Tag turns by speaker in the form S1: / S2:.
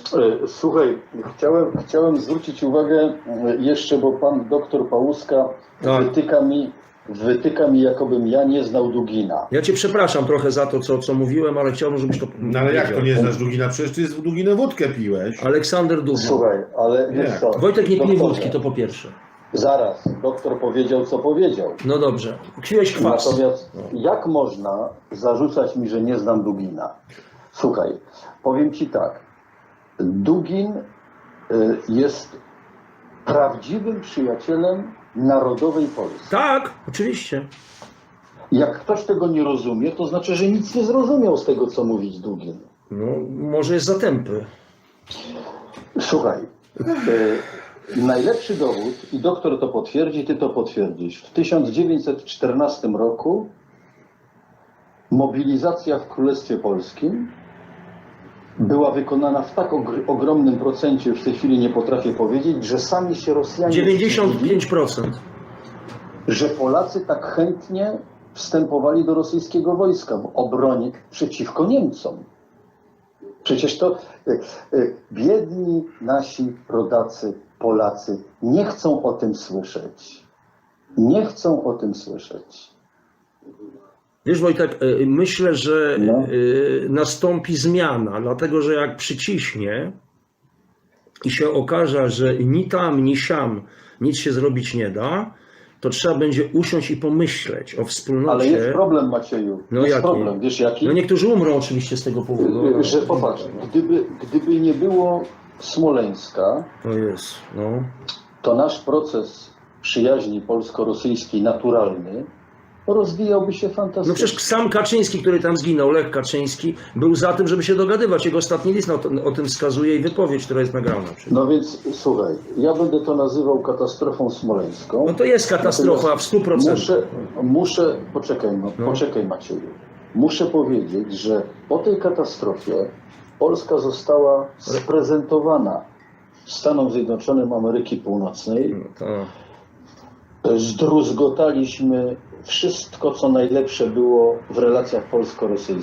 S1: Słuchaj, chciałem zwrócić uwagę jeszcze, bo pan doktor Pałuska
S2: Tak.
S1: wytyka mi, jakobym ja nie znał Dugina.
S2: Ja cię przepraszam trochę za to, co mówiłem, ale chciałbym, żebyś to
S3: No ale jak to
S2: powiedział.
S3: nie znasz Dugina? Przecież ty z Duginę wódkę piłeś.
S2: Aleksander Dugin.
S1: Słuchaj, ale
S3: Nie.
S1: wiesz co,
S2: Wojtek nie pije
S1: doktorze,
S2: wódki, to po pierwsze.
S1: Zaraz, doktor powiedział, co powiedział.
S2: No dobrze. Kwiłeś kwas.
S1: Natomiast jak można zarzucać mi, że nie znam Dugina? Słuchaj, powiem ci tak. Dugin jest prawdziwym przyjacielem narodowej Polski.
S2: Tak, oczywiście.
S1: Jak ktoś tego nie rozumie, to znaczy, że nic nie zrozumiał z tego, co mówić Dugin.
S2: No, może jest za tępy.
S1: Słuchaj, najlepszy dowód, i doktor to potwierdzi, ty to potwierdzisz. W 1914 roku mobilizacja w Królestwie Polskim była wykonana w tak ogromnym procencie, już w tej chwili nie potrafię powiedzieć, że sami się Rosjanie
S2: 95%.
S1: że Polacy tak chętnie wstępowali do rosyjskiego wojska w obronie przeciwko Niemcom. Przecież to biedni nasi rodacy, Polacy nie chcą o tym słyszeć. Nie chcą o tym słyszeć.
S2: Wiesz, Wojtek, myślę, że
S1: No.
S2: nastąpi zmiana, dlatego że jak przyciśnie i się okaże, że ni tam, ni siam nic się zrobić nie da, to trzeba będzie usiąść i pomyśleć o wspólnocie.
S1: Ale jest problem, Macieju.
S2: No
S1: jest
S2: jaki?
S1: problem. Wiesz jaki?
S2: No niektórzy umrą oczywiście z tego powodu.
S1: Że popatrz, gdyby nie było Smoleńska,
S2: To jest, no.
S1: to nasz proces przyjaźni polsko-rosyjskiej naturalny rozwijałby się
S2: No
S1: fantastycznie.
S2: przecież sam Kaczyński, który tam zginął, Lech Kaczyński, był za tym, żeby się dogadywać. Jego ostatni list o tym wskazuje i wypowiedź, która jest nagrana.
S1: No więc słuchaj, ja będę to nazywał katastrofą smoleńską.
S2: No to jest katastrofa w 100%.
S1: Poczekaj Macieju. Muszę powiedzieć, że po tej katastrofie Polska została sprezentowana Stanom Zjednoczonym Ameryki Północnej.
S2: No to...
S1: Zdruzgotaliśmy wszystko, co najlepsze było w relacjach polsko-rosyjskich.